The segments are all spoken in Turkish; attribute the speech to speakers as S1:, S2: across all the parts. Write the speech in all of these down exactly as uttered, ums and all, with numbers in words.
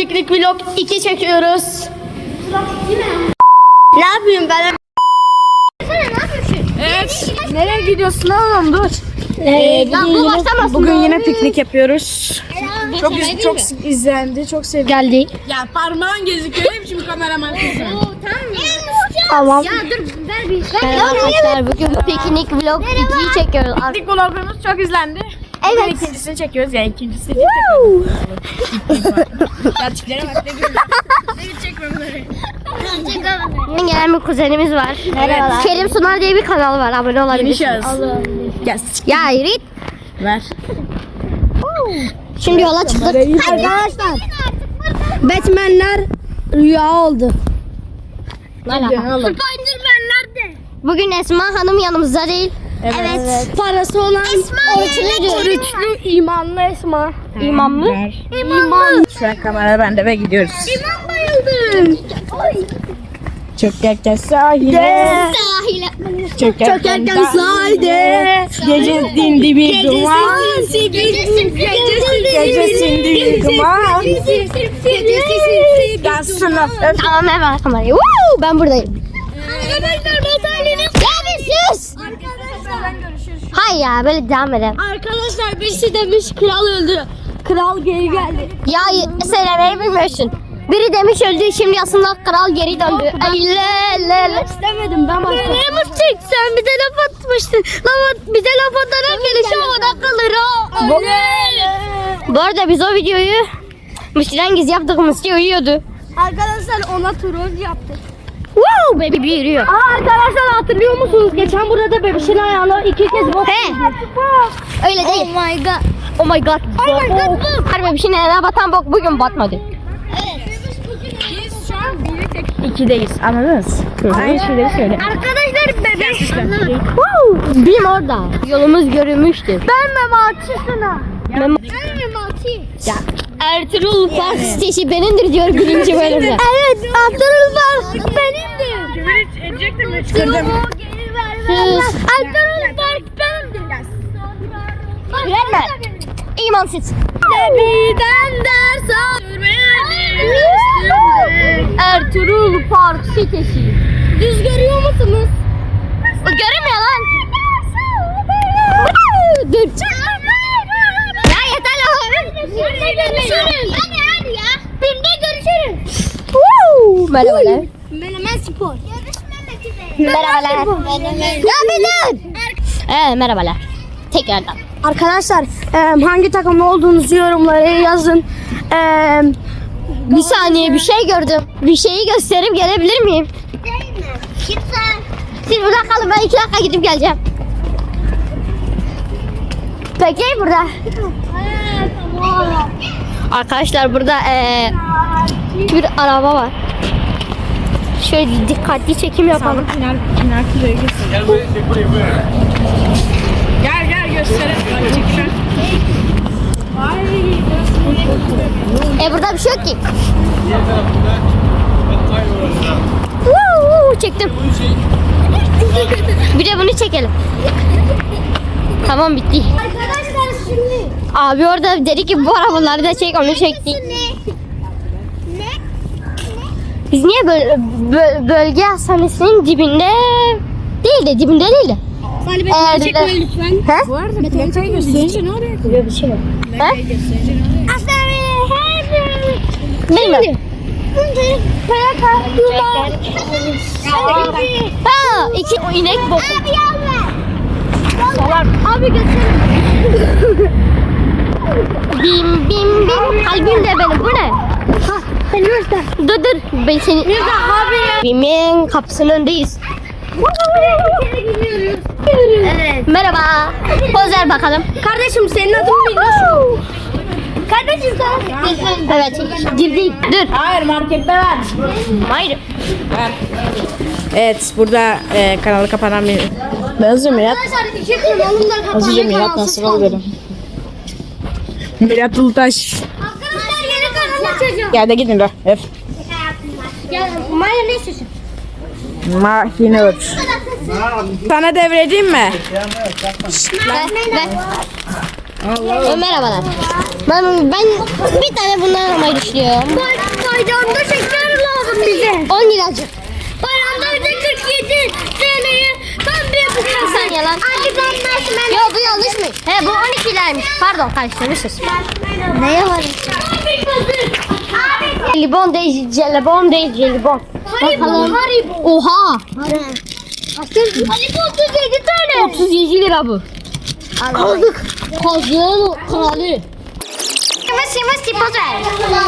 S1: Piknik vlog iki çekiyoruz. Ne yapayım ben? Evet. Nereye gidiyorsun oğlum? Dur. Ee, bugün, yine, bugün yine piknik yapıyoruz. Çok iz, çok izlendi, çok sevdi. Geldi.
S2: Ya parmağın gözüküyor. Ne biçim kameraman kızım?
S1: Tamam.
S3: Ya dur ver bir.
S1: Merhaba arkadaşlar, bugün piknik vlog ikiyi çekiyoruz.
S2: Piknik vlogumuz çok izlendi.
S1: Evet.
S2: Bugün ikincisini çekiyoruz ya, ikincisini çekiyoruz. Ya tiplere bak ne güzel. Evet, çekme bunları.
S1: Bugün gelen bir kuzenimiz var.
S3: Merhabalar.
S1: Kerim Sunar diye bir kanal var, abone
S2: Yeni
S1: olabilirsiniz.
S2: şahıs. Gel.
S1: Ya Yiğit.
S2: Ver.
S1: Şimdi yola çıktık.
S3: Arkadaşlar. Batman'ler rüya oldu. Spiderman nerede?
S1: Bugün Esma Hanım yanımızda değil.
S2: Evet.
S3: Parası olan
S1: Oruçlu.
S3: oruçlu imanlı Esma.
S1: İmam mı?
S3: İman.
S2: Şu an kamera bende ve gidiyoruz.
S3: İman bayıldım.
S2: Çökerken sahile.
S1: Sahile.
S2: Çökerken
S3: sahilde.
S2: Gece dindi bir duman. Gece sindi bir duman. Gel sınıf.
S1: Tamam hemen kamerayı. Woo! Ben buradayım.
S3: Arkadaşlar bataryanın.
S1: Ya bir sus. Hayır ya, böyle devam edelim.
S3: Arkadaşlar birisi demiş kral öldü. Kral geri geldi.
S1: Ya söylemeyi bilmiyorsun. Biri demiş öldü, şimdi aslında kral geri döndü. Ay le le le.
S3: İstemedim ben başka. Ne mısın sen bize laf atmıştın. Laf, bize laf atarak gelişi havada kalır o.
S1: Bu, bu arada biz o videoyu Müslüman gizli yaptık, Müslü uyuyordu.
S3: Arkadaşlar ona troll yaptık.
S1: Wow, baby bir yürüyor.
S3: Aa, arkadaşlar hatırlıyor musunuz? Geçen burada da bebişin ayağına iki kez bok.
S1: He. Öyle değil.
S3: Oh my god.
S1: Oh my god.
S3: Oh my god. Bok.
S1: Her bebişin ayağına batan bok bugün batmadı.
S2: Biz şu an biri tek ikideyiz. Anladınız? Aynı şeyleri söyle.
S3: Arkadaşlar bebek.
S1: Wow. Bim orada. Yolumuz görünmüştür.
S3: Ben Memati sana.
S1: Mem
S3: Ben Memati.
S1: ya. Ertuğrul Park sitesi benimdir diyor birinci bölümde.
S3: Evet Ertuğrul Park benimdir.
S2: Küfür edecektim de çıkardım.
S3: Geri ver
S1: Sus.
S3: Ertuğrul Park benimdir.
S1: Güvenme. İmansız.
S3: Nebiden ders almayı
S1: Ertuğrul Park sitesi.
S3: Düz görüyor musunuz?
S1: O görünmüyor lan. Dur. Ya yeter lan.
S3: Birde görüşürüz. Hadi hadi ya. Birde görüşürüz.
S1: Woo. Merhabalar.
S3: Menemen spor. Görüşmemek üzere.
S1: Merhabalar. Ya bir dur. Ee, merhabalar. Tekrardan.
S3: Arkadaşlar e, hangi takımda olduğunuzu yorumlara yazın. E,
S1: Bir saniye, bir şey gördüm. Bir şeyi gösterip gelebilir miyim? Siz burada kalın, ben iki dakika gidip geleceğim. Peki burada. Arkadaşlar burada ee, bir araba var. Şöyle dikkatli çekim yapalım.
S2: Pınar, Pınar Kuzey'e gitsin. Gel buraya, çek buraya, buraya. Gel gel gösterelim. Bak çek şu an.
S1: E burada bir şey yok ki. Woo, çektim. Bir de bunu çekelim. Tamam, bitti.
S3: Arkadaşlar şimdi.
S1: Abi orada dedi ki bu arabaları da çek, onu çektik. Biz niye böyle bö- bölge hastanesinin dibinde değil de dibinde değil de.
S3: Salih Bey
S1: Eğer
S3: çekme
S1: de-
S3: lütfen.
S1: He?
S2: Bu arada plakayı gösterince ne oluyor?
S1: Böyle bir şey yok. He?
S2: Gösterince ne oluyor?
S1: Bilmiyorum. Ha, iki o inek boku.
S2: Salak.
S3: Abi götürün.
S1: Bim bim bim. Kalbim de benim. Bu ne?
S3: Beni göster.
S1: Dur dur. Ben seni... Bimin kapısının önündeyiz.
S3: Evet.
S1: Merhaba. Poz ver bakalım.
S3: Kardeşim senin adın biliyorsun. Kardeşim sen.
S1: Evet. Girdik. Dur.
S2: Hayır, markette ver.
S1: Hayır.
S2: Ver. Evet, burada e, kanalı kapanan bir... Hızlıca Mirat.
S3: Arkadaşlar iki kanalımda
S2: Hızlıca
S3: kapandı,
S2: Mirat
S3: kanalsız
S2: nasıl
S3: kaldı.
S2: oluyorum? Mirat Ulutaş.
S3: Arkadaşlar yeni kanal açacağım.
S2: Gel de gidin de. Öf.
S3: Gel Maya ne istiyorsun?
S2: Mahinur. Sana devredeyim mi?
S1: Ver, ver.
S3: Allah. Merhabalar. Ben, ben bir tane bundan almayı düşünüyorum. Bayramda şeker lazım bize. on liracık. Bayramda bize kırk yedi T L'ye tam bir yapacağım. Bir saniye lan. Yok bu yanlışmış. He bu on iki liraymış. Pardon karıştırmışız. Neye var? Jelibon değil, jelibon değil, jelibon. Bakalım. Oha. Haribo otuz yedi tane. otuz yedi lira bu. Aldık. Kazığın kralı. Mısı mısı poz ver.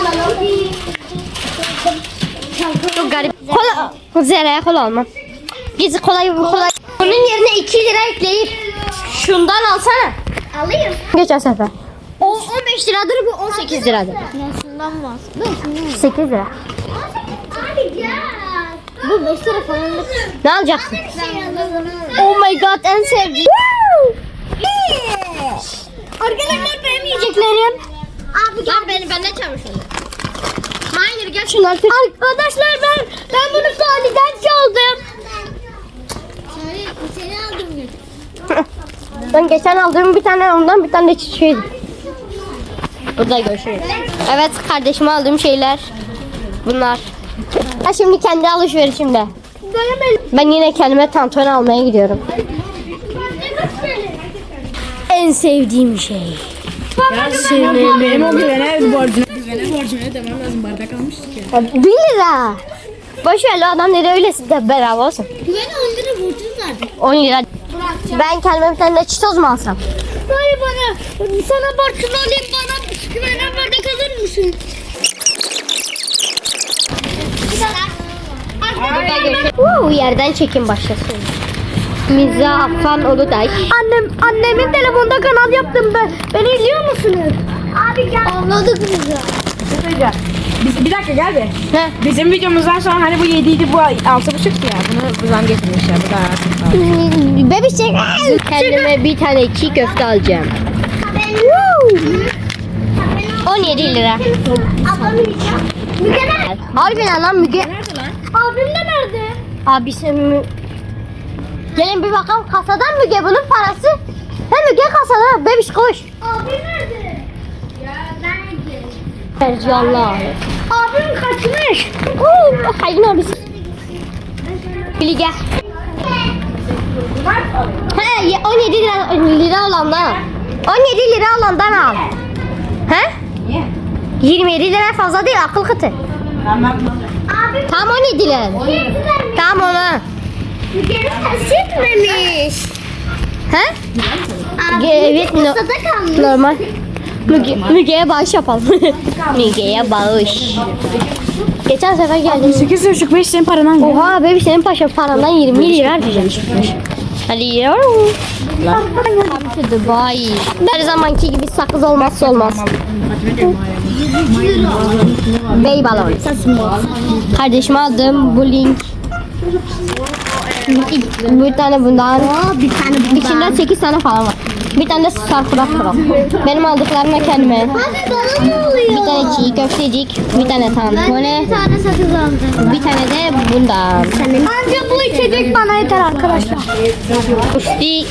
S3: Çok garip. Kola. Zeraya kola almam. Gizli kolay kolay. Bunun yerine iki lira ekleyip şundan alsana. Alayım. Geçen sefer. O on beş liradır bu on sekiz liradır.
S4: Şundan var.
S3: sekiz lira.
S4: Bu beş lira falan.
S3: Ne alacaksın? Oh my god en sevdiğim. Arkadaşlar benim yiyeceklerim.
S4: Abi gel beni benden çalmış onu.
S3: Hayır gel şunu artık. Arkadaşlar ben ben bunu Salih'den çaldım.
S4: Seni, seni aldım gün.
S3: Ben geçen aldığım bir tane ondan bir tane de çiçeğiydi. Burada görüşürüz. Evet kardeşime aldığım şeyler bunlar. Ha şimdi kendi alışverişimde. Ben yine kendime tantuni almaya gidiyorum. En sevdiğim şey.
S1: Benim, benim o güvene borcuna. Güvene borcuna ödemem lazım. Bardak almıştık ya.
S3: bir lira. Boş ver lan, adam nereye öylesi de bedava olsun.
S4: Güven on lira borcunuz vardı.
S3: on lira. Ben kendime bir tane de çitoz mu alsam?
S4: Hayır bana. Sana borcunu alayım bana. Güvenen bardak alır mısın?
S3: Uuu yerden çekim başlasın. Mizafan Uludağ. Annem, annemin telefonda kanal yaptım ben. Beni izliyor musunuz?
S4: Abi gel. Anladık bizi.
S1: Biz, bir dakika gel be.
S3: Ne?
S1: Bizim videomuzdan sonra hani bu yediydi bu altı buçuktu ya. Bunu buradan getirmişler. Bu da artık.
S3: Bebişek. Kendime bir tane çiğ köfte alacağım. on yedi lira.
S4: Ablamı yiyeceğim. Müge nerede?
S3: Harbiden lan Müge.
S1: Nerede lan?
S4: Abim de nerede?
S3: Abisi Mü... Gelin bir bakalım kasadan Müge bunun parası. He Müge kasada. Bebiş koş.
S4: Abim nerede? Ya ben gidiyorum.
S3: Ercanlar.
S4: Abim kaçmış.
S3: Oo, hayır abisi. Bilge. He ye- on yedi lira, lira olandan al. on yedi lira olandan al. He?
S1: Niye?
S3: yirmi yedi lira fazla değil akıl kıtı.
S1: Tamam.
S4: Abim
S3: Tam on yedi lira. Tam ona.
S4: Müge'nin sütmemiş.
S3: He?
S4: Abi
S3: Evet, no-
S4: kasada kalmış.
S3: Normal. Müge, Müge'ye bağış yapalım. Müge'ye bağış. Geçen sefer geldim.
S1: sekiz buçuk beş senin parandan gel.
S3: Oha bebi senin paşa parandan yirmi lira harcayacağım. Hadi yavrum. Come to Dubai. Her zamanki gibi sakız olmazsa olmaz. Bey balon. Kardeşime aldım bu link. Bir tane bundan.
S4: Bir tane bundan.
S3: İçinde sekiz tane falan var. Bir tane de sarkırak pro. Benim aldıklarımla kendime.
S4: Abi bana ne oluyor?
S3: Bir tane çiğ köftecik, bir tane tantuni,
S4: Bir tane sakız aldım.
S3: bir tane de bundan.
S4: Anca bu içecek bana yeter arkadaşlar.
S3: Usti,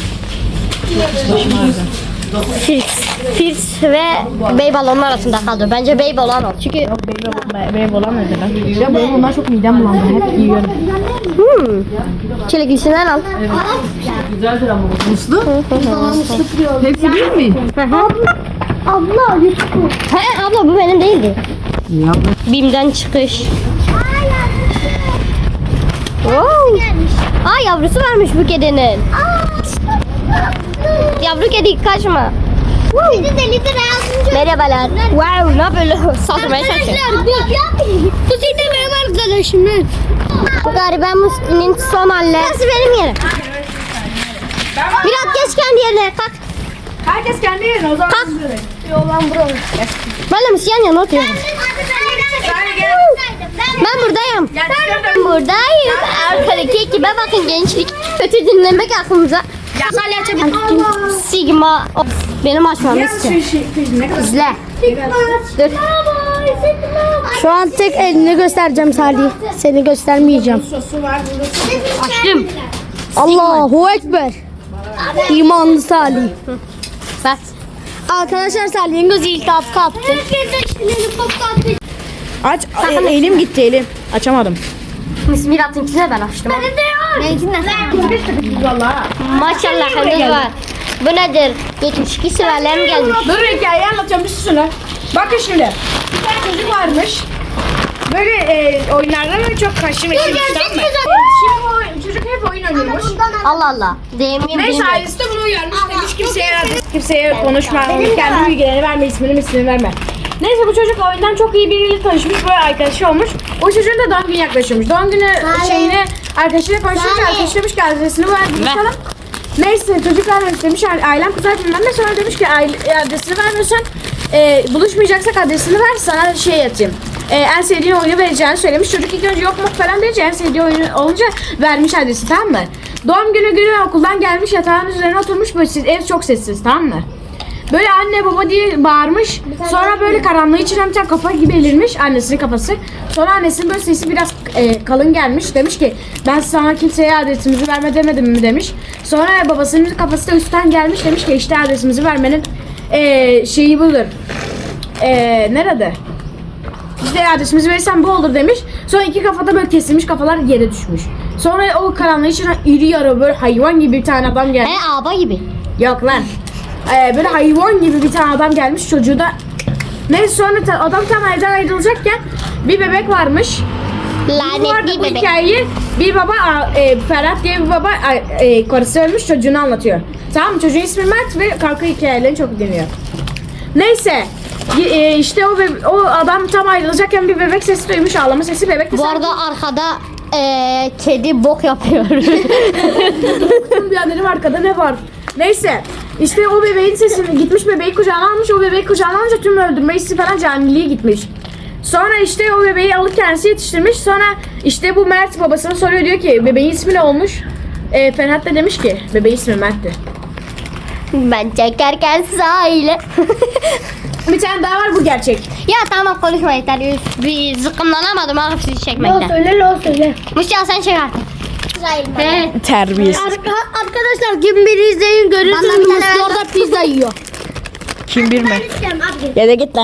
S3: Firs, Firs ve bey balonun arasında kaldı. Bence bey balon ol. Çünkü
S1: Benim olan nerede lan? Ya benim bundan çok midem bulandı. Hep yiyorum.
S3: hmm, çileklisinden al.
S1: Muslu? Hepsi değil mi?
S3: Abla, he abla bu benim değildi.
S1: Ya.
S3: Bim'den çıkış. Wow. Aa yavrusu varmış bu kedinin. Yavru kedi kaçma.
S4: Bir de deli de lazım.
S3: Merhabalar. Wow ne böyle saldırmaya çalışıyor.
S4: Bu senin de benim arkadaşım.
S3: Bu gariben Musti'nin son halleri. Nasıl benim yerim? Biraz geç kendi yerine kalk.
S1: Herkes kendi yerine o zaman.
S3: Kalk.
S1: Yollan buralı.
S3: Ben de Musti'nin yanına oturuyorum. Ben buradayım. Ben buradayım. Arkadaki ekibe bakın gençlik. Kötü dinlemek aklımıza. Sigma. Of, benim açmam istiyor. İzle. Dur.
S4: Şu an tek elini göstereceğim Salih. Seni göstermeyeceğim.
S1: Sosu var burada.
S3: Açtım.
S4: Allahu Ekber. İmanlı Salih.
S3: Bak.
S4: Arkadaşlar Salih'in gözü iltihap kaptı.
S2: Aç. E, elim gitti elim. Açamadım.
S3: Mirat'ınkine ben açtım. Benim de yok. Benimkine
S2: Vallahi.
S3: Maşallah henüz var. Bu nedir? yetmiş iki sülalem gelmiş.
S2: Dur hikayeyi anlatıyorum bir susun. Bakın şimdi. Bir tane çocuk varmış. Böyle e, oyunlarda böyle çok kaşı ve şey tamam mı? Şimdi o çocuk hep oyun oynuyormuş.
S3: Allah Allah. Demeyeyim
S2: Neyse
S3: bilmiyorum.
S2: ailesi de bunu uyarmış demiş kimseye kimseye konuşma, kendi bilgilerini verme, ismini ismini verme. Neyse bu çocuk oyundan çok iyi biriyle tanışmış, böyle arkadaşı olmuş. O çocuğun da doğum günü yaklaşıyormuş. Doğum günü şeyini arkadaşıyla konuşmuş, arkadaşı demiş ki adresini ver buluşalım. Neyse çocuklar demiş ailem kızar bilmem ne, sonra demiş ki aile, adresini vermiyorsan e, buluşmayacaksak adresini ver sana şey yatayım. E, en sevdiğin oyunu vereceğini söylemiş. Çocuk ilk önce yok mu falan deyince en sevdiği oyunu olunca vermiş adresi, tamam mı? Doğum günü günü okuldan gelmiş, yatağın üzerine oturmuş, böyle ev çok sessiz, tamam mı? Böyle anne baba diye bağırmış. Sonra böyle karanlığı içine bir tane kafa gibi belirmiş, annesinin kafası. Sonra annesinin böyle sesi biraz e, kalın gelmiş. Demiş ki ben sana kimseye adresimizi verme demedim mi demiş. Sonra babasının kafası da üstten gelmiş, demiş ki işte adresimizi vermenin e, şeyi budur. E, nerede? İşte adresimizi verirsen bu olur demiş. Sonra iki kafada böyle kesilmiş kafalar yere düşmüş. Sonra o karanlığı içine iri yarı böyle hayvan gibi bir tane adam gelmiş.
S3: He aba gibi.
S2: Yok lan. Ee, böyle hayvan gibi bir tane adam gelmiş, çocuğu da. Neyse sonra ta- adam tam evden ayrılacakken bir bebek varmış. Bu arada
S3: Lanetli
S2: bu
S3: bebek.
S2: hikayeyi bir baba e, Ferhat diye bir baba e, karısı ölmüş, çocuğunu anlatıyor. Tamam mı? Çocuğun ismi Mert ve kalkı hikayelerini çok dinliyor. Neyse e, işte o, bebe- o adam tam ayrılacakken bir bebek sesi duymuş, ağlama sesi, bebek de
S3: Bu arada arkada eee, kedi bok yapıyor.
S2: bir annem arkada ne var? Neyse işte o bebeğin sesini gitmiş, bebeği kucağına almış, o bebeği kucağına alınca tüm öldürme hissi falan caniliği gitmiş. Sonra işte o bebeği alıp kendisi yetiştirmiş. Sonra işte bu Mert babasına soruyor, diyor ki bebeğin ismi ne olmuş? E, Ferhat da demiş ki bebeğin ismi Mert'ti.
S3: Ben çekerken sahile.
S2: Bir tane daha var, bu gerçek.
S3: Ya tamam konuşma yeter. Bir zıkkımlanamadım abi sizi çekmekten.
S4: Söyle lo söyle.
S3: Mustafa sen çek artık. He.
S2: Terbiyesiz.
S4: Arkadaşlar kim biri izleyin görürsünüz
S3: Bana bir tane
S4: Mustafa
S3: ver.
S4: orada pizza yiyor.
S2: Kim bilme. Ya da git lan.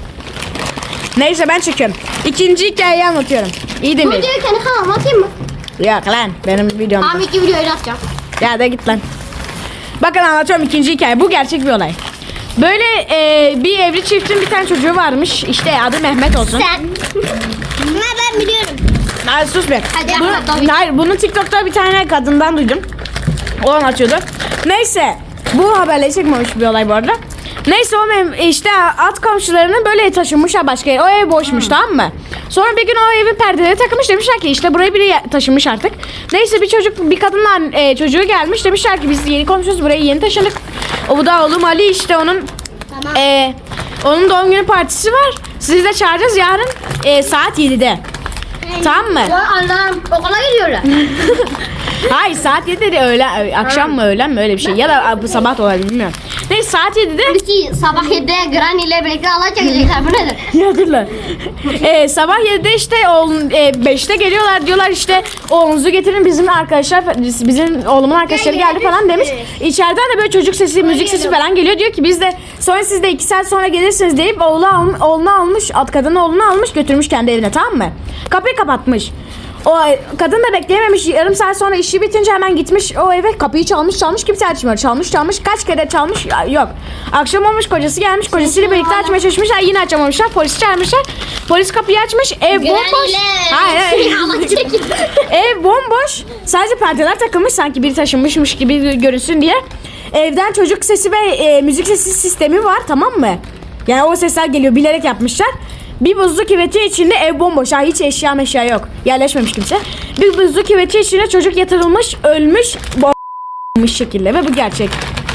S2: Neyse ben çekiyorum. İkinci hikayeyi anlatıyorum. İyi
S3: Bu
S2: dinleyin.
S3: videoyu kendi kanalıma atayım mı?
S2: Yok lan benim videom.
S3: Abi iki videoyu atacağım.
S2: Ya da git lan. Bakın anlatıyorum ikinci hikaye. Bu gerçek bir olay. Böyle e, bir evli çiftin bir tane çocuğu varmış. İşte adı Mehmet olsun.
S3: Sen. Ne ben biliyorum.
S2: Hayır sus be.
S3: Hadi
S2: Bunu-
S3: anlat, tabii.
S2: hayır bunu TikTok'ta bir tane kadından duydum. O anlatıyordu. Neyse bu haberle çıkmamış bir olay bu arada. Neyse o mem- işte at komşularının böyle taşınmışlar başka yere. O ev boşmuş, tamam mı? Sonra bir gün o evin perdeleri takılmış, demişler ki işte buraya biri ya- taşınmış artık. Neyse bir çocuk bir kadınla e, çocuğu gelmiş, demişler ki biz yeni komşuyuz, buraya yeni taşındık. O bu da oğlum Ali, işte onun e, onun doğum günü partisi var. Sizi de çağıracağız yarın e, saat yedide. Tamam mı?
S3: Ya Allah'ım okula gidiyorlar.
S2: Hayır saat yedide de öğlen, akşam mı öğlen mi öyle bir şey. Ya da bu sabah da olabilir, bilmiyorum. Neyse saat yedide.
S3: Biz sabah yedide Granny ile birlikte alay çekecekler. Bu nedir?
S2: Ya dur lan. Ee, sabah yedide işte oğlum e, beşte geliyorlar, diyorlar işte oğlunuzu getirin, bizim arkadaşlar bizim oğlumun arkadaşları geldi falan demiş. İçeriden de böyle çocuk sesi, müzik sesi falan geliyor, diyor ki biz de sonra siz de iki saat sonra gelirsiniz deyip oğlu al, oğlunu almış, at kadın oğlunu almış götürmüş kendi evine, tamam mı? Kapıyı kapatmış. O kadın da bekleyememiş, yarım saat sonra işi bitince hemen gitmiş o eve, kapıyı çalmış çalmış kimse açmıyor, çalmış çalmış kaç kere çalmış, yok. Akşam olmuş, kocası gelmiş, kocasıyla birlikte açmaya çalışmışlar, yine açamamışlar, polisi çağırmışlar, polis kapıyı açmış, ev bomboş. Hayır, hayır. Ev bomboş, sadece perdeler takılmış sanki biri taşınmışmış gibi görünsün diye. Evden çocuk sesi ve e, müzik sesi sistemi var, tamam mı? Yani o sesler geliyor, bilerek yapmışlar. Bir buzlu küveti içinde ev bomboş. Ha, hiç eşya meşya yok. Yerleşmemiş kimse. Bir buzlu küveti içine çocuk yatırılmış, ölmüş, bomboş şekilde ve bu gerçek.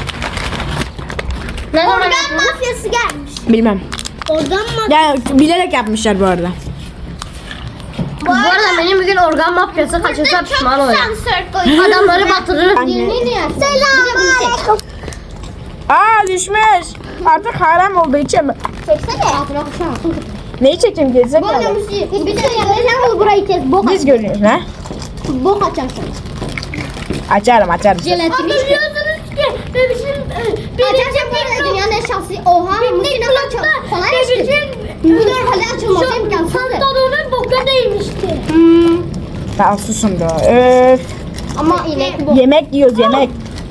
S3: Ne zaman
S4: Organ
S3: yaptın?
S4: mafyası gelmiş.
S2: Bilmem.
S4: Organ mafyası.
S2: Yani bilerek yapmışlar bu arada.
S3: Bu arada benim bir gün organ mafyası kaçırsa pişman oluyorum. Adamları batırırız.
S4: Selamünaleyküm.
S2: Aa düşmüş. Artık haram oldu, içemem.
S3: Çeksene. Altına kuşamazsın.
S2: Neyi çekeyim gerizekalı?
S3: Bir şey yapacağım burayı kes. Bok,
S2: Biz görüyoruz ha?
S3: bok açacaksın.
S2: Açarım açarım.
S3: Jelatini.
S4: Biliyorsunuz ki bebişin,
S3: Arkadaşlar bu arada dünyanın en şanslı. Oha. Piknik klubda. Kolay açtı. Bu normalde açılması imkansızdı. Pantolonun boka değmişti.
S2: Tamam susun da. Öf.
S3: Ama inek bu.
S2: Yemek yiyoruz yemek.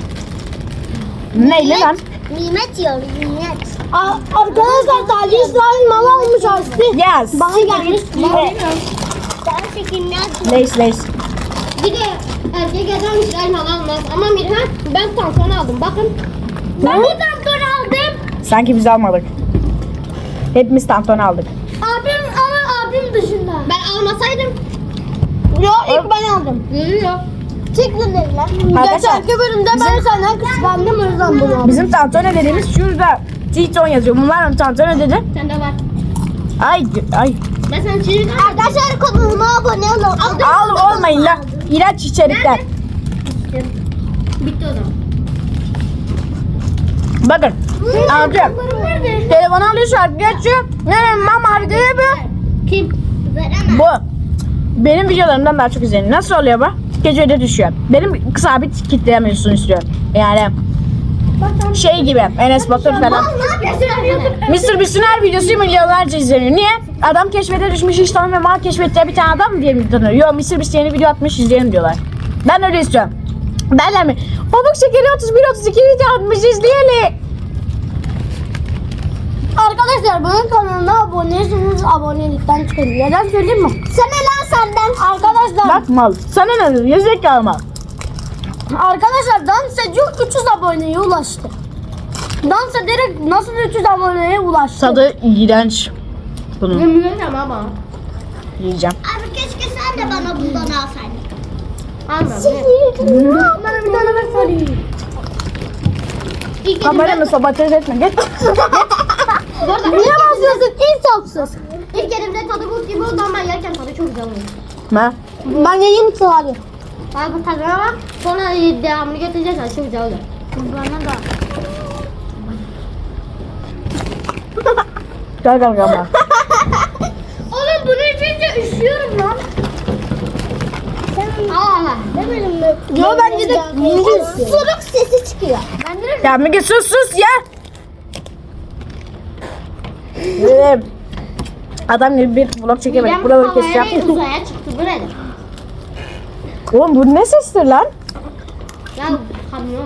S2: Neyle lan?
S3: Nimet yiyoruz nimet.
S4: Arkadaşlar Salih İsrail mama olmuş Aslı.
S2: Yes.
S4: Bana gelmiş.
S3: Daha çekimli açtım.
S2: Leys leys.
S3: Bir de erkek adam İsrail malı almaz. Ama Mirhan ben tampon aldım. Bakın. Ben de tampon aldım.
S2: Sanki biz almadık. Hepimiz tampon aldık.
S3: Abim ama abim dışında. Ben almasaydım.
S4: Yok ilk ben aldım.
S3: Yok.
S4: Çık lan evlen.
S2: Arkadaşlar,
S4: Geçenki bölümde ben senden kıskandım o yüzden bunu aldım.
S2: Bizim tantone dediğimiz şurada Titon yazıyor. Bunlar mı tantone dedi?
S3: Sende var.
S2: Ay ay.
S3: Ben sana çizgi
S4: Arkadaşlar kanalıma abone olun.
S2: Al olmayın lan. İlaç içerikler.
S3: Bitti o zaman.
S2: Bakın. Alacağım.
S3: Nerede?
S2: Telefonu alıyor şarkı geçiyor. Ne mama abi diye bir.
S3: Kim? Veremem.
S2: Bu. Benim videolarımdan daha çok izleniyor. Nasıl oluyor bu? Gece öde düşüyor. Benim sabit kitleyemiyorsun istiyor. Yani şey gibi Enes Batur falan.
S3: Ne yapıyorsun?
S2: mister Beast'in her videosu milyonlarca izleniyor. Niye? Adam keşfete düşmüş hiç tanımıyor. Mal keşfette bir tane adam mı diye mi tanıyor? Yok mister Beast yeni video atmış izleyelim diyorlar. Ben öyle istiyorum. Derler mi? Pamuk şekeri otuz bir otuz iki video atmış izleyelim.
S4: Arkadaşlar bunun kanalına aboneyseniz abonelikten çıkın. Neden söyleyeyim mi? Sen lan senden. Arkadaşlar
S2: Bak mal. Sana ne dedim? Yüzek kalma.
S4: Arkadaşlar dans ediyor üç yüz aboneye ulaştı. Dans ederek nasıl üç yüz aboneye ulaştı?
S2: Tadı iğrenç. Bunu
S3: Bilmiyorum ama.
S2: yiyeceğim.
S3: Abi keşke sen de bana bundan alsaydın. Almam.
S4: Bana bir tane ver Salih.
S3: İlk
S2: Kameramı sabotaj etme. Git.
S4: Niye basıyorsun? İnsafsız.
S3: İlk elimde tadı buz gibi oldu ama ben yerken tadı çok güzel oluyor.
S2: Ne?
S4: Ben yiyeyim Salih.
S3: Abi bu tadına bak. Sonra devamını getireceğiz. Çok güzel oluyor. Bana da.
S2: Gel gel gel.
S3: Oğlum bunu içince üşüyorum lan. Allah. Demedim mi?
S4: Yo bence de
S3: Suruk sesi çıkıyor. Ben de
S2: Ya Müge sus sus ya. Dedim. Adam gibi bir vlog çekemedik. Buraları keseceğim.
S3: uzaya çıktı. Bu nedir?
S2: Oğlum bu ne sestir lan?
S3: Ya kamyon.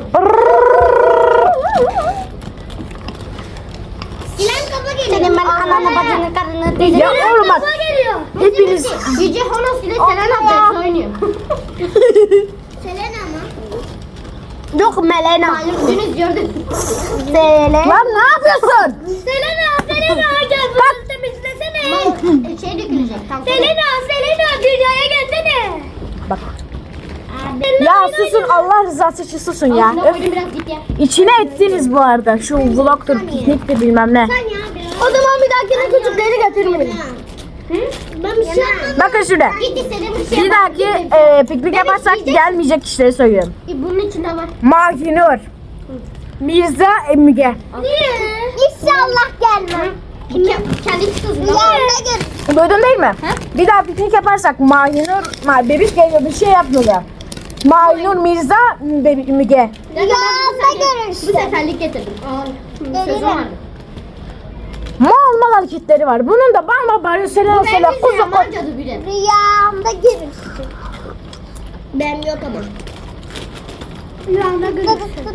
S3: İlan kafa geliyor.
S4: senin ben ananı bacını karını deli.
S2: Ya oğlum bak.
S3: geliyor.
S2: Hepiniz.
S3: Yüce Honos ile Selena Bey oynuyor. Selena mı?
S4: Yok Melena.
S3: Malum dünüz gördük.
S4: Sele.
S2: Lan ne yapıyorsun?
S3: Selena, Selena gel bunu temizlesene. Şey dökülecek. Selena, Selena dünyaya gelsene.
S2: Bak. Ya susun Allah rızası için susun ya.
S3: Altına
S2: Öf.
S3: koydum biraz git ya.
S2: İçine ettiniz bu arada. Şu vlogtur, pikniktir bilmem ne.
S3: Sen ya biraz.
S4: O zaman bir dahakine küçükleri getirmeyin.
S3: Ben bir şey yapmadım.
S2: Bakın şurada.
S3: Git istediğim bir şey
S2: Bir dahaki e, piknik yaparsak gelmeyecek kişileri söylüyorum.
S3: E, bunun içinde var.
S2: Mahinur. Mirza Emge.
S3: Niye? İnşallah gelmem. Kendi çıkıyorsun.
S2: Duydun değil mi? Bir daha piknik yaparsak Mahinur, ma bebiş geliyor bir şey yapmıyorlar. Mahinur, Mirza, Bebi- Müge.
S3: Ya görürsün. Bu seferlik getirdim. Sözüm vardı.
S2: Mal mal hareketleri var. Bunun da bamba bağırıyor. Selena
S3: Ben
S2: Selena
S3: bir
S2: kuzu
S3: şey
S2: kuzu.
S3: cadı bile. Rüyamda görürsün. Ben yok ama. Rüyamda görürsün.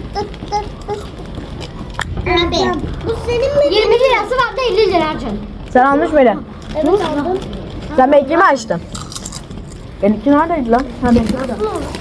S3: Abi. Bu senin mi? yirmi lirası var da elli lira harcadım.
S2: Sen almış mıydın?
S3: Evet aldım.
S2: Sen benimkini mi açtın? Benimki neredeydi lan? Ha benimki orada.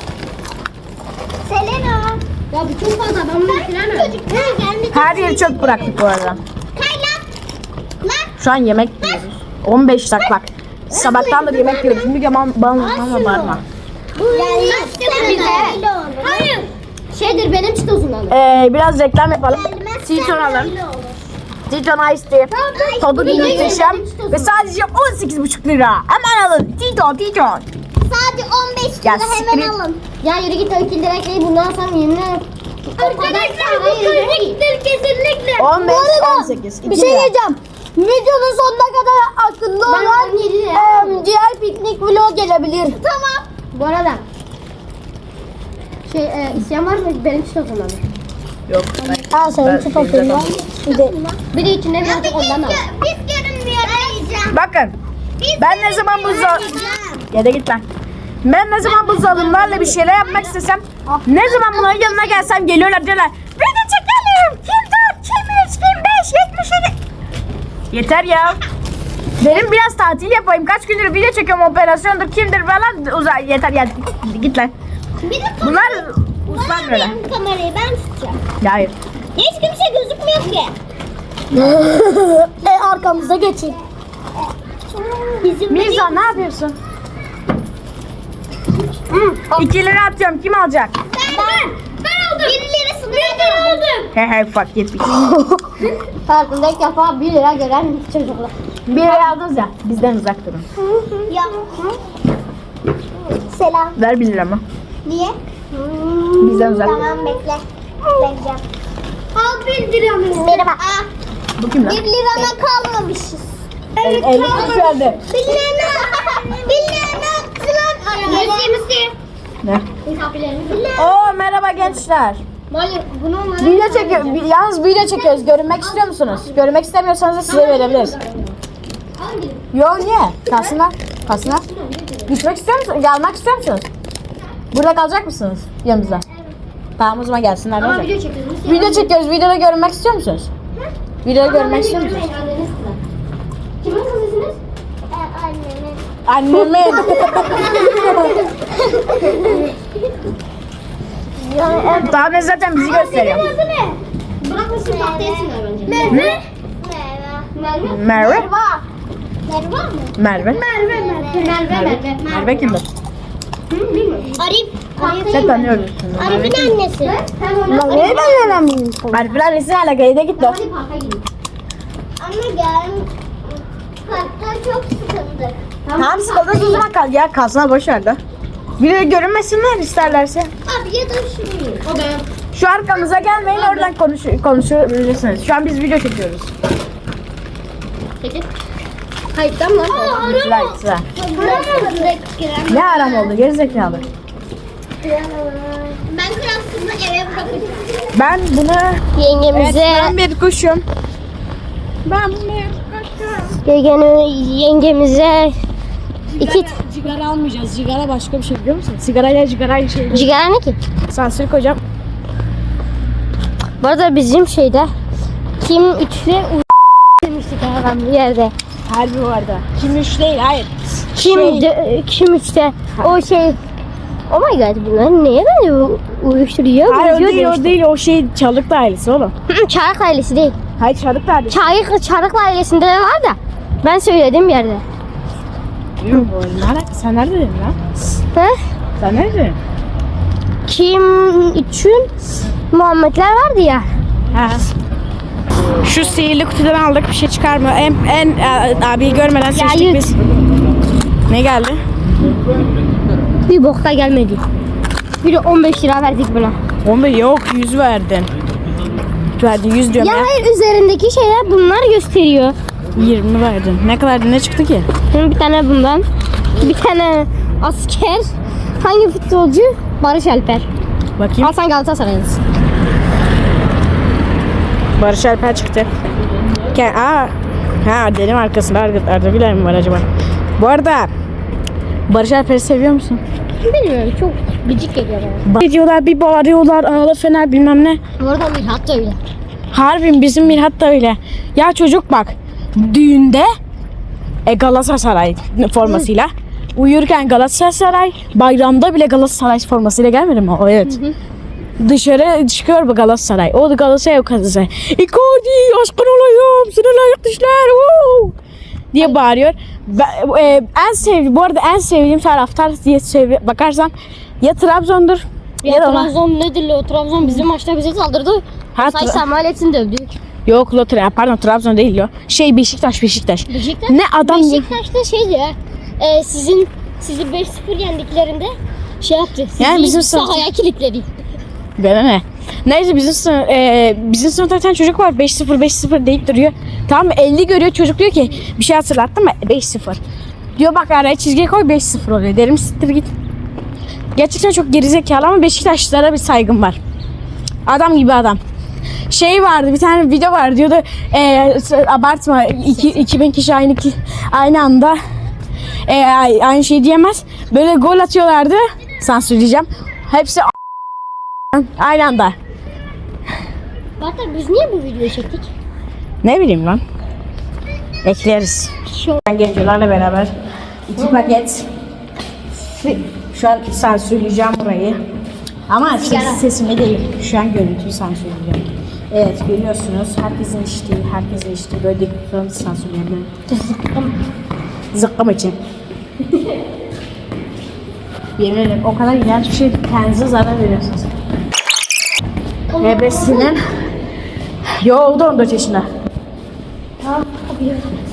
S3: Selena. Ya bu çok fazla. Ben bunu bitiremem.
S2: Her yeri çöp bıraktık bu arada.
S3: Kaynak. Lan.
S2: Şu an yemek yiyoruz. on beş dakika bak. Sabahtan da yemek yiyoruz. Şimdi yaman bana bana bağırma.
S3: Bize. Hayır. Şeydir benim çitozumdan.
S2: Ee, biraz reklam yapalım. Titon alın. Titon Ice Tea. Tadı muhteşem. Ve sadece on sekiz buçuk lira. Hemen alın. Titon, Titon.
S3: Sadece on beş
S2: Ya
S3: lira
S2: siktir
S3: hemen
S2: et.
S3: alın. Ya yürü git o iki lira ekleyi bundan sonra yemin ederim. Arkadaşlar bu köylükler kesinlikle.
S2: on beş, on sekiz.
S4: Bir şey diyeceğim. Videonun sonuna kadar akıllı
S3: Ben
S4: olan
S3: on yedi lira.
S4: em, diğer piknik vlog gelebilir.
S3: Tamam. Bu arada şey e, isyan var mı benim çitozumdan?
S1: Yok.
S4: Aa senin için papyonu. Bir de
S3: Bir de içinde birazcık ondan al. Biz görünmüyor.
S1: Bakın. Ben ne zaman bu za... Ya da git lan. Ben ne zaman bu zalimlerle bir şeyler yapmak istesem, ne zaman bunların yanına gelsem geliyorlar diyorlar. Beni çekelim. Kim dört, kim üç, kim beş, yetmiş yedi. Yeter ya. Benim biraz tatil yapayım. Kaç gündür video çekiyorum, operasyondur, kimdir falan. Uzay yeter ya. Git lan. Bunlar uzman böyle.
S3: Benim kamerayı ben tutacağım.
S1: Hayır.
S3: Hiç kimse gözükmüyor ki.
S4: e, arkamıza geçin.
S3: Bizim
S1: Mirza ne yapıyorsun? iki lira atıyorum. Kim alacak?
S3: Ben. Ben aldım. Bir lirasını ben aldım.
S1: He he fuck yetmiş.
S4: Hayatımda ilk defa bir lira gören çocuklar.
S1: Bir lira aldınız ya. Bizden uzak durun.
S3: Ya. Selam.
S1: Ver bir lira mı?
S3: Niye?
S1: Bizden uzak.
S3: Tamam bekle. Vereceğim. Al bir liramı. Merhaba. Aa,
S1: Bu kim lan?
S3: bir lirana kalmamışız.
S1: Evet, elli kuruş verdi.
S3: Bir lirana. Bir lirana attılar. Müziği müziği.
S1: Ne?
S3: Misafirlerimiz.
S1: Oo merhaba gençler.
S3: Hayır bunu onlara.
S1: Video çekiyor. bi- Yalnız video çekiyoruz. Görünmek istiyor musunuz? Görünmek istemiyorsanız da size verebiliriz. Yo niye? Kalsınlar. Kalsınlar. Gitmek istiyor musunuz? Gelmek istiyor musunuz? Burada kalacak mısınız yanımızda? Tamam o zaman gelsinler.
S3: Ama
S1: ne olacak?
S3: video çekiyoruz.
S1: Video çekiyoruz. Videoda görünmek istiyor musunuz? Videoda görünmek istiyor musunuz?
S3: Kimin kızısınız? Annemin.
S1: Annemin. Tamam ben zaten bizi gösteriyor.
S3: Adı ne? Bırakmışsın tahtaya sinir bence. Merve. Merve.
S1: Merve.
S3: Merve mı?
S1: Merve.
S3: Merve, Merve. Merve, Merve.
S1: Merve kimdir?
S3: Hı, bilmiyorum. Arif.
S1: Sen tanıyorsun.
S3: Arif'in annesi.
S4: Lan niye ben öğrenmeyeyim?
S1: Arifler resim alakayı da gitti.
S3: Hadi parka gidelim. Anne gel. Parkta çok sıkıldık.
S1: Tamam sıkıldınız o zaman kal. Ya kalsana boş ver de. Video görünmesinler isterlerse.
S3: Abi ya da şunu. O ben.
S1: Şu arkamıza gelmeyin oradan konuş konuşabilirsiniz. Şu an biz video çekiyoruz.
S3: Peki. Kayıttan mı? Aa,
S1: Sıra sıra. Ne aram oldu gerizekalı.
S3: Ben kralsızla eve bırakacağım.
S1: Ben bunu
S4: Yengemize,
S1: ben bir kuşum. Ben bunu kuşum.
S4: yengene, yengemize iki
S1: Sigara almayacağız. Sigara başka bir şey biliyor musun? Sigarayla sigara aynı şey değil.
S4: cigara ne ki?
S1: Sansür koyacağım.
S4: Bu arada bizim şeyde kim üçlü demiştik adam bir yerde.
S1: Harbi vardı. Kim üç değil hayır.
S4: Kim
S1: Şey-
S4: de, kim üçte o şey. Oh my god bunlar neye böyle u- uyuşturuyor?
S1: Hayır o
S4: Uyuşuyor
S1: değil o
S4: demiştik.
S1: değil o şey Çalık ailesi oğlum.
S4: Hı, Çarık ailesi değil.
S1: Hayır Çalık ailesi.
S4: Çarık, Çarık ailesinde de var da ben söyledim bir yerde.
S1: Yok oğlum ne alaka? Sen nerede dedin lan?
S4: He?
S1: Sen nerede dedin?
S4: Kim üçün Muhammedler vardı ya.
S1: Ha. Şu sihirli kutudan aldık bir şey çıkarmıyor. En, en e, abiyi görmeden seçtik
S4: yut.
S1: biz. Ne geldi?
S4: Bir bokta gelmedi. Bir de on beş lira verdik buna.
S1: on beş yok yüz verdin. Verdin yüz diyorum
S4: Ya
S1: ya.
S4: hayır üzerindeki şeyler bunlar gösteriyor.
S1: yirmi verdin. Ne kadar ne çıktı ki?
S4: Şimdi bir tane bundan. Bir tane asker. Hangi futbolcu? Barış Alper.
S1: Bakayım.
S4: Al sen Galatasaray'ız.
S1: Barış Alper çıktı. Ke Aa. Ha dedim arkasında Arda, Arda Güler mi var acaba? Bu arada Barış Alper'i seviyor musun?
S4: Bilmiyorum çok gıcık geliyor bana.
S1: Ne diyorlar bir bağırıyorlar ağla fener bilmem ne.
S4: Bu arada Mirhat da öyle.
S1: Harbim bizim Mirhat da öyle. Ya çocuk bak düğünde e, Galatasaray formasıyla uyurken Galatasaray bayramda bile Galatasaray formasıyla gelmedi mi? O evet. Hı hı. Dışarı çıkıyor bu Galatasaray. O da Galatasaray o Galatasaray. Icardi aşkın olayım sana layık düşler woo! diye bağırıyor. Ben, e, en sevdiğim bu arada en sevdiğim taraftar diye sev bakarsan ya Trabzon'dur
S4: Ya,
S1: ya, da ona-
S4: Trabzon nedir o? Trabzon bizim maçta bize saldırdı.
S1: Ha,
S4: Say
S1: Tra-
S4: Samuel'etsin dövdü.
S1: Yok Lotre pardon Trabzon değil yo. Şey Beşiktaş Beşiktaş.
S4: Beşiktaş.
S1: Ne adam
S4: Beşiktaş'ta şeydi ya. E, sizin sizi beş sıfır yendiklerinde şey yaptı. Sizi
S1: Yani bizim sınıf-
S4: sahaya kilitledi.
S1: Bana ne? Neyse bizim sınıf, e, bizim sınıfta bir tane çocuk var beş sıfır beş sıfır deyip duruyor. Tamam elli görüyor çocuk diyor ki bir şey hatırlattın mı? beş sıfır. Diyor bak araya çizgi koy beş sıfır oluyor. Derim siktir git. Gerçekten çok gerizekalı ama Beşiktaşlılara bir saygım var. Adam gibi adam. şey vardı, bir tane video var diyordu. E, abartma, iki, iki bin kişi aynı ki- aynı anda e, aynı şey diyemez. Böyle gol atıyorlardı. Sansürleyeceğim. Hepsi aynı anda.
S3: Zaten biz niye bu videoyu çektik?
S1: Ne bileyim lan. Ekleriz. Ben gencolarla beraber iki paket. Şu an sansürleyeceğim burayı. Ama ses, sesimi değil. Şu an görüntüyü sansürleyeceğim. Evet, görüyorsunuz. Herkesin içtiği, herkesin içtiği böyle dediklerimizi sansürleyeceğim. Zıkkım. Zıkkım için. Yemin ederim o kadar iğrenç bir şey, kendinize zarar veriyorsunuz. Ebresinin. Yo, o da on dört yaşında.
S3: Tamam, biliyorum.